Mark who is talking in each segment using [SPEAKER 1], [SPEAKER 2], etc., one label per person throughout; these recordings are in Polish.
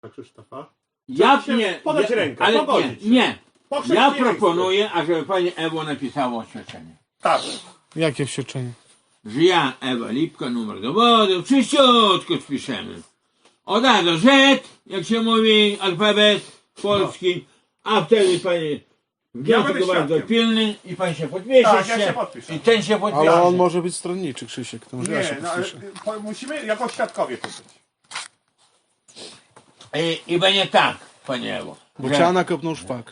[SPEAKER 1] brata Krzysztofa.
[SPEAKER 2] Ja nie,
[SPEAKER 1] podać rękę,
[SPEAKER 2] ale
[SPEAKER 1] pogodzić się.
[SPEAKER 2] nie.
[SPEAKER 1] Po
[SPEAKER 2] Ja
[SPEAKER 1] chrześcijańsku.
[SPEAKER 2] proponuję, ażeby pani Ewo napisała oświadczenie.
[SPEAKER 1] Tak.
[SPEAKER 3] Jakie oświadczenie?
[SPEAKER 2] Że ja, Ewa Lipka, numer dowodu, czyściutko spiszemy. Od A do Z, jak się mówi, alfabet polski, a wtedy pani wniosek
[SPEAKER 1] będę
[SPEAKER 2] bardzo
[SPEAKER 1] świadkiem.
[SPEAKER 2] pilny i pan się podpisze.
[SPEAKER 1] Tak, ja się podpiszę.
[SPEAKER 2] I ten się podpisze.
[SPEAKER 3] Ale on może być stronniczy, Krzysiek, to może ja się
[SPEAKER 1] Nie, no, ale
[SPEAKER 3] podpiszę.
[SPEAKER 1] musimy jako świadkowie tu być.
[SPEAKER 2] I będzie tak, panie Ewo.
[SPEAKER 3] Bo
[SPEAKER 2] że-
[SPEAKER 3] ciana kopnął szpak.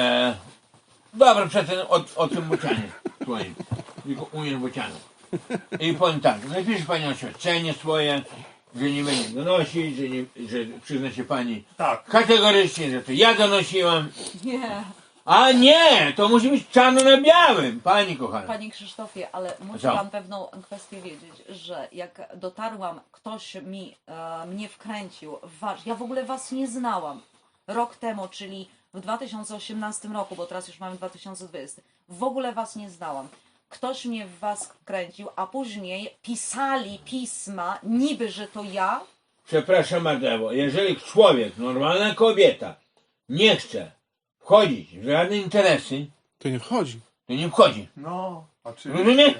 [SPEAKER 2] Dobra, przecież o tym bocianie swoim. Tylko umiesz bocianu. I powiem tak, napisze pani oświadczenie swoje, że nie będzie donosić, że przyzna się pani
[SPEAKER 1] Tak.
[SPEAKER 2] kategorycznie, że to ja donosiłam.
[SPEAKER 4] Nie,
[SPEAKER 2] A nie, to musi być czarno na białym, pani kochana.
[SPEAKER 4] panie Krzysztofie, ale musi
[SPEAKER 2] Co?
[SPEAKER 4] pan pewną kwestię wiedzieć, że jak dotarłam, ktoś mnie wkręcił w ja w ogóle was nie znałam. Rok temu, czyli w 2018 roku, bo teraz już mamy 2020, w ogóle was nie znałam. Ktoś mnie w was wkręcił, a później pisali pisma, niby, że to ja.
[SPEAKER 2] Przepraszam bardzo, jeżeli człowiek, normalna kobieta, nie chce wchodzić w żadne interesy,
[SPEAKER 3] To nie wchodzi.
[SPEAKER 2] to nie wchodzi.
[SPEAKER 1] No, oczywiście.
[SPEAKER 2] Rozumie?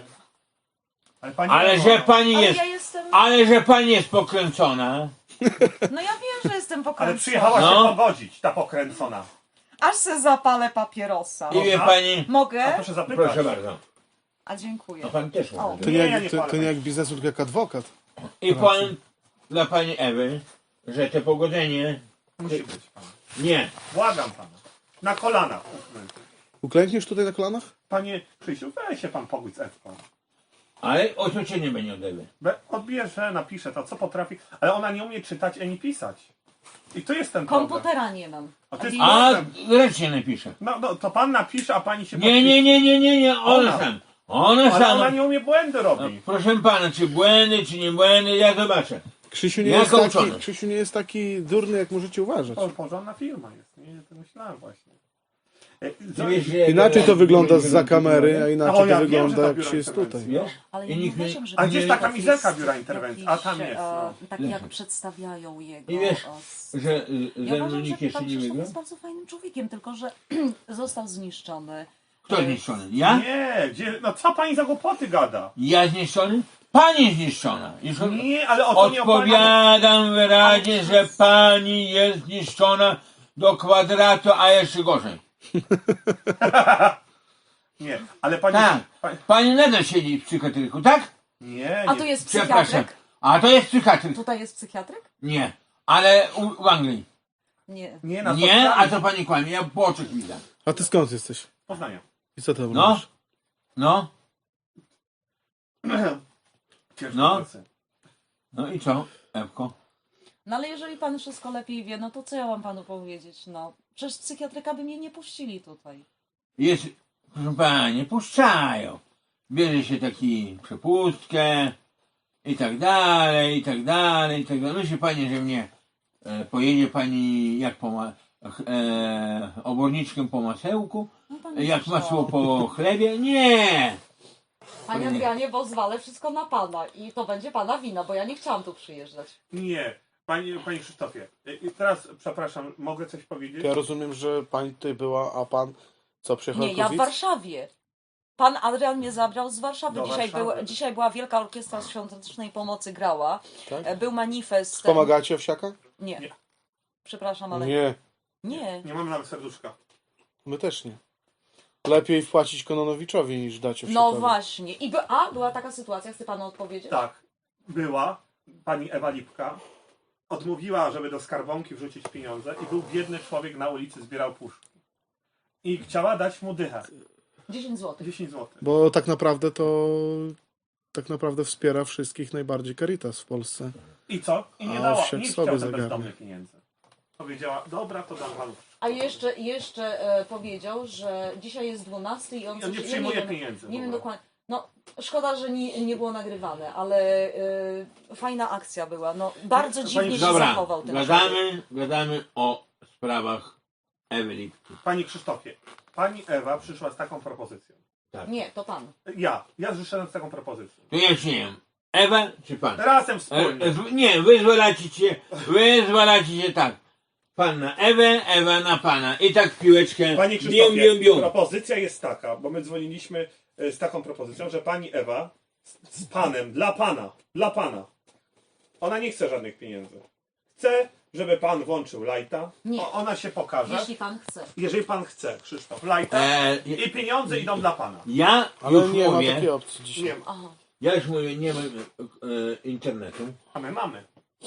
[SPEAKER 1] Ale, pani
[SPEAKER 2] Ale
[SPEAKER 1] Ewo,
[SPEAKER 2] że pani
[SPEAKER 4] Ale
[SPEAKER 2] jest,
[SPEAKER 4] ja jestem,
[SPEAKER 2] ale że pani jest pokręcona,
[SPEAKER 4] no ja wiem, że jestem
[SPEAKER 1] Ale
[SPEAKER 4] pokręcona.
[SPEAKER 1] przyjechała
[SPEAKER 2] No.
[SPEAKER 1] się pogodzić, ta pokręcona.
[SPEAKER 4] Aż se zapalę papierosa.
[SPEAKER 2] i wie
[SPEAKER 1] Można?
[SPEAKER 2] pani,
[SPEAKER 1] A
[SPEAKER 4] Mogę?
[SPEAKER 1] proszę zapytać.
[SPEAKER 2] proszę bardzo,
[SPEAKER 4] A dziękuję.
[SPEAKER 2] a pan też
[SPEAKER 4] O.
[SPEAKER 2] może.
[SPEAKER 3] To
[SPEAKER 1] Nie,
[SPEAKER 3] nie,
[SPEAKER 1] ja nie
[SPEAKER 3] jak, to
[SPEAKER 1] palę.
[SPEAKER 3] nie jak biznesu, tylko jak adwokat.
[SPEAKER 2] I powiem dla pani Ewy, że to pogodzenie,
[SPEAKER 1] Musi być pan.
[SPEAKER 2] nie,
[SPEAKER 1] Błagam pana. Na kolanach.
[SPEAKER 3] Uklękniesz tutaj na kolanach?
[SPEAKER 1] Panie Krzysiu, weź się pan pogódź z Ewką.
[SPEAKER 2] ale oświadczenie będzie od Ewy.
[SPEAKER 1] Odbierze, napisze to, co potrafi, ale ona nie umie czytać ani pisać. I tu jest ten problem.
[SPEAKER 4] Komputera nie mam.
[SPEAKER 1] A to jest
[SPEAKER 2] A
[SPEAKER 1] problem.
[SPEAKER 2] ręcznie napisze.
[SPEAKER 1] No, to pan napisze, a pani się
[SPEAKER 2] Nie, ona sam. Ona
[SPEAKER 1] Ale ona
[SPEAKER 2] sama.
[SPEAKER 1] nie umie błędy robić.
[SPEAKER 2] Proszę pana, czy błędy, czy nie błędy, ja zobaczę.
[SPEAKER 3] Krzysiu nie,
[SPEAKER 2] Ja
[SPEAKER 3] jest taki,
[SPEAKER 2] kołczony.
[SPEAKER 3] Krzysiu nie jest taki durny, jak możecie uważać.
[SPEAKER 1] Porządna firma jest. Nie, to myślałem właśnie.
[SPEAKER 2] Ty wiesz, że
[SPEAKER 3] Inaczej to wygląda zza kamery, a
[SPEAKER 1] O,
[SPEAKER 3] inaczej
[SPEAKER 1] ja
[SPEAKER 3] to
[SPEAKER 1] wiem, że
[SPEAKER 3] wygląda
[SPEAKER 1] to
[SPEAKER 3] jak
[SPEAKER 1] biuro
[SPEAKER 3] się jest
[SPEAKER 1] interwencji.
[SPEAKER 3] tutaj.
[SPEAKER 2] Wiesz?
[SPEAKER 4] Ale
[SPEAKER 2] I
[SPEAKER 4] ja nie
[SPEAKER 2] nikt nie-
[SPEAKER 4] uważam, że
[SPEAKER 1] A gdzie jest ta
[SPEAKER 4] jakiś-
[SPEAKER 1] kamizelka biura interwencji? A tam jest. No.
[SPEAKER 4] Tak jak przedstawiają jego.
[SPEAKER 2] I wiesz, że
[SPEAKER 4] Ja
[SPEAKER 2] ze mną
[SPEAKER 4] uważam, że
[SPEAKER 2] nikt jeszcze
[SPEAKER 4] pan
[SPEAKER 2] nie
[SPEAKER 4] Krzysztof
[SPEAKER 2] wygrał?
[SPEAKER 4] jest bardzo fajnym człowiekiem, tylko że został zniszczony.
[SPEAKER 2] Kto zniszczony? Ja?
[SPEAKER 1] Nie, no co pani za głupoty gada?
[SPEAKER 2] Ja zniszczony? Pani zniszczona. Już
[SPEAKER 1] Nie, ale o to nie o pana.
[SPEAKER 2] odpowiadam wyraźnie, że pani jest zniszczona do kwadratu, a jeszcze gorzej.
[SPEAKER 1] Nie, ale pani...
[SPEAKER 2] Tak.
[SPEAKER 1] pani...
[SPEAKER 2] Pani nadal siedzi w psychiatryku, tak?
[SPEAKER 1] Nie,
[SPEAKER 4] A
[SPEAKER 1] nie.
[SPEAKER 4] tu jest
[SPEAKER 2] Przepraszam.
[SPEAKER 4] psychiatryk?
[SPEAKER 2] A to jest psychiatryk.
[SPEAKER 4] Tutaj jest psychiatryk?
[SPEAKER 2] Nie. Ale w Anglii.
[SPEAKER 4] Nie.
[SPEAKER 1] Nie, na
[SPEAKER 2] Nie, a
[SPEAKER 1] spotkaniu.
[SPEAKER 2] to pani kłamie. Ja po oczach widzę.
[SPEAKER 3] A ty skąd jesteś?
[SPEAKER 1] Poznania.
[SPEAKER 3] I co tam
[SPEAKER 2] No.
[SPEAKER 3] robisz?
[SPEAKER 2] No.
[SPEAKER 1] Ciężko
[SPEAKER 2] No.
[SPEAKER 1] pracy.
[SPEAKER 2] No i co, Ewko?
[SPEAKER 4] No ale jeżeli pan wszystko lepiej wie, no to co ja mam panu powiedzieć? No, przecież psychiatryka by mnie nie puścili tutaj.
[SPEAKER 2] Jest, proszę pani, nie puszczają. Bierze się taki przepustkę i tak dalej, i tak dalej, i tak dalej. Myśli pani, że mnie pojedzie pani jak oborniczkiem po masełku?
[SPEAKER 4] No, pan
[SPEAKER 2] Jak
[SPEAKER 4] Krzysztof.
[SPEAKER 2] masło po chlebie? Nie!
[SPEAKER 4] Panie Adrianie, bo zwalę wszystko na pana i to będzie pana wina, bo ja nie chciałam tu przyjeżdżać.
[SPEAKER 1] Nie. Panie Krzysztofie, i teraz, przepraszam, mogę coś powiedzieć?
[SPEAKER 3] Ja rozumiem, że pani tutaj była, a pan co, przyjechał
[SPEAKER 4] Nie, ja w Warszawie. Pan Adrian mnie zabrał z Warszawy.
[SPEAKER 1] Do Warszawy.
[SPEAKER 4] Dzisiaj była Wielka Orkiestra Świątecznej Pomocy grała.
[SPEAKER 3] Tak?
[SPEAKER 4] Był manifest.
[SPEAKER 3] Pomagacie owsiaka?
[SPEAKER 4] Nie.
[SPEAKER 1] Nie.
[SPEAKER 4] Przepraszam, ale
[SPEAKER 3] Nie,
[SPEAKER 4] nie.
[SPEAKER 1] Nie mamy nawet serduszka.
[SPEAKER 3] my też nie. Lepiej wpłacić Kononowiczowi niż dać owsiakowi.
[SPEAKER 4] No właśnie. Była taka sytuacja, chcę panu odpowiedzieć?
[SPEAKER 1] Tak, była pani Ewa Lipka. Odmówiła, żeby do skarbonki wrzucić pieniądze i był biedny człowiek na ulicy, zbierał puszki. I chciała dać mu dychę.
[SPEAKER 4] 10 zł.
[SPEAKER 1] 10 zł.
[SPEAKER 3] Bo tak naprawdę to wspiera wszystkich najbardziej Caritas w Polsce.
[SPEAKER 1] I co? I nie
[SPEAKER 3] A
[SPEAKER 1] dała.
[SPEAKER 3] owsiak
[SPEAKER 1] Nie
[SPEAKER 3] sobie
[SPEAKER 1] chciał ten
[SPEAKER 3] zagarnia.
[SPEAKER 1] bezdomny pieniędzy. Powiedziała, dobra, to dam panu.
[SPEAKER 4] A jeszcze powiedział, że dzisiaj jest 12 i on
[SPEAKER 1] I on nie
[SPEAKER 4] coś-
[SPEAKER 1] przyjmuje
[SPEAKER 4] wiem,
[SPEAKER 1] pieniędzy w
[SPEAKER 4] Nie wiem
[SPEAKER 1] ogóle.
[SPEAKER 4] dokładnie. No, szkoda, że nie było nagrywane, ale fajna akcja była. No, bardzo dziwnie się
[SPEAKER 2] Dobra,
[SPEAKER 4] zachował ten człowiek.
[SPEAKER 2] gadamy o sprawach Ewy Lipki.
[SPEAKER 1] Panie Krzysztofie, pani Ewa przyszła z taką propozycją.
[SPEAKER 4] Nie, to pan.
[SPEAKER 1] Ja przyszedłem z taką propozycją.
[SPEAKER 2] To ja się nie wiem. Ewa czy pan?
[SPEAKER 1] Razem wspólnie.
[SPEAKER 2] Nie, wyzwalacie się tak. pan na Ewę, Ewa na pana. I tak w piłeczkę.
[SPEAKER 1] Panie
[SPEAKER 2] bium,
[SPEAKER 1] Krzysztofie,
[SPEAKER 2] bium, bium.
[SPEAKER 1] propozycja jest taka, bo my dzwoniliśmy z taką propozycją, że pani Ewa z panem, dla pana. Ona nie chce żadnych pieniędzy. Chce, żeby pan włączył lajta.
[SPEAKER 4] Nie.
[SPEAKER 1] Ona się pokaże.
[SPEAKER 4] Jeśli pan chce.
[SPEAKER 1] Jeżeli pan chce, Krzysztof, lajta. I pieniądze idą dla pana.
[SPEAKER 2] Ja
[SPEAKER 3] Ale
[SPEAKER 2] już
[SPEAKER 3] nie ma
[SPEAKER 2] mówię,
[SPEAKER 3] takiej opcji dzisiaj.
[SPEAKER 1] Nie,
[SPEAKER 4] Aha.
[SPEAKER 2] ja już mówię, nie mam internetu.
[SPEAKER 1] a my mamy.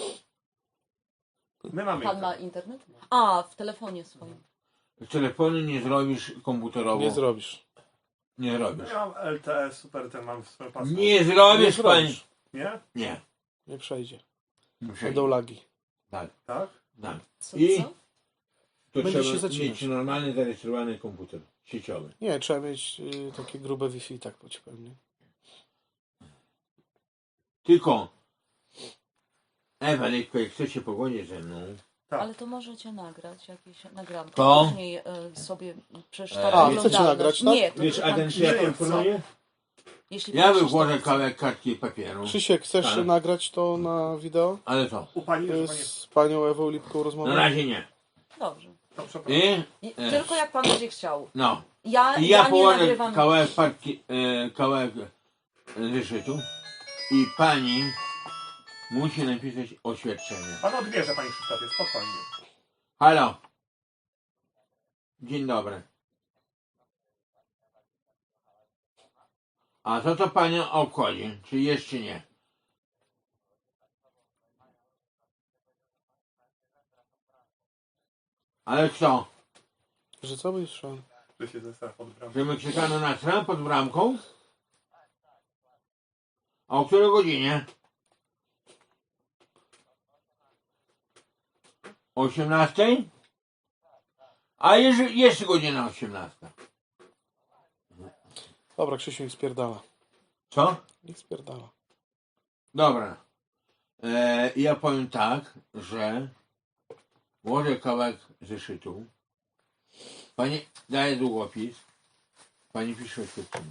[SPEAKER 1] My mamy.
[SPEAKER 4] Pan ma internet? A, w telefonie swoim.
[SPEAKER 2] Telefonu nie zrobisz komputerowo.
[SPEAKER 3] Nie zrobisz.
[SPEAKER 2] Nie zrobisz.
[SPEAKER 1] Ja mam LTE, super, ten mam w swoim pasku.
[SPEAKER 2] Nie zrobisz,
[SPEAKER 3] Nie
[SPEAKER 2] panie.
[SPEAKER 3] zrobisz.
[SPEAKER 1] Nie?
[SPEAKER 2] Nie.
[SPEAKER 3] Nie przejdzie.
[SPEAKER 2] Nie
[SPEAKER 3] Będą lagi.
[SPEAKER 2] Tak,
[SPEAKER 1] Tak?
[SPEAKER 2] tak.
[SPEAKER 4] Co,
[SPEAKER 2] I
[SPEAKER 4] co?
[SPEAKER 2] to
[SPEAKER 3] Będzie się
[SPEAKER 2] trzeba
[SPEAKER 3] zacinać.
[SPEAKER 2] mieć normalny zarejestrowany komputer sieciowy.
[SPEAKER 3] Nie, trzeba mieć takie grube Wi-Fi, tak ci powiem. Nie?
[SPEAKER 2] Tylko Ewa, jak chcecie pogodzić ze mną,
[SPEAKER 1] Tak.
[SPEAKER 4] Ale to możecie nagrać jakieś nagranki.
[SPEAKER 2] To?
[SPEAKER 4] Później sobie przecież
[SPEAKER 2] A,
[SPEAKER 4] ta
[SPEAKER 3] chcecie
[SPEAKER 4] oglądalność-
[SPEAKER 3] nagrać, tak?
[SPEAKER 4] Nie, to
[SPEAKER 2] wiesz,
[SPEAKER 4] pan
[SPEAKER 2] agencja
[SPEAKER 4] Krzysztof
[SPEAKER 2] informuje?
[SPEAKER 4] chce. Jeśli
[SPEAKER 2] Ja
[SPEAKER 4] pan
[SPEAKER 2] bym
[SPEAKER 4] Krzysztof
[SPEAKER 2] włożę
[SPEAKER 4] chce.
[SPEAKER 2] kawałek kartki i papieru.
[SPEAKER 3] Krzysiek, chcesz
[SPEAKER 2] Tak.
[SPEAKER 3] nagrać to na wideo?
[SPEAKER 2] Ale co?
[SPEAKER 1] U pani, że pani
[SPEAKER 3] Z panią Ewą Lipką
[SPEAKER 2] Na
[SPEAKER 3] rozmawiać?
[SPEAKER 2] razie nie.
[SPEAKER 4] Dobrze.
[SPEAKER 1] to przepraszam.
[SPEAKER 2] I
[SPEAKER 4] Tylko jak pan będzie chciał.
[SPEAKER 2] no.
[SPEAKER 4] Ja
[SPEAKER 2] I ja
[SPEAKER 4] nie
[SPEAKER 2] położę
[SPEAKER 4] nagrywam.
[SPEAKER 2] kawałek kartki, kawałek zeszytu i pani musi napisać oświadczenie.
[SPEAKER 1] Pan odbierze, panie Krzysztofie, spokojnie.
[SPEAKER 2] Halo. Dzień dobry. A co to panią obchodzi? Czy jeszcze nie? Ale kto?
[SPEAKER 3] Że co byś szedł?
[SPEAKER 1] Że się zestaw pod bramą.
[SPEAKER 2] Że my czekamy na tram pod bramką? A o której godzinie? 18? A jest godzina 18.
[SPEAKER 3] Dobra, Krzysiu, niech spierdala.
[SPEAKER 2] Co?
[SPEAKER 3] Niech spierdala.
[SPEAKER 2] Dobra. Ja powiem tak, że włożę kawałek zeszytu. Pani daje długopis. Pani pisze oświadczenie.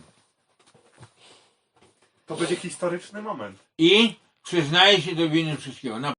[SPEAKER 1] To będzie historyczny moment.
[SPEAKER 2] I przyznaje się do winy wszystkiego.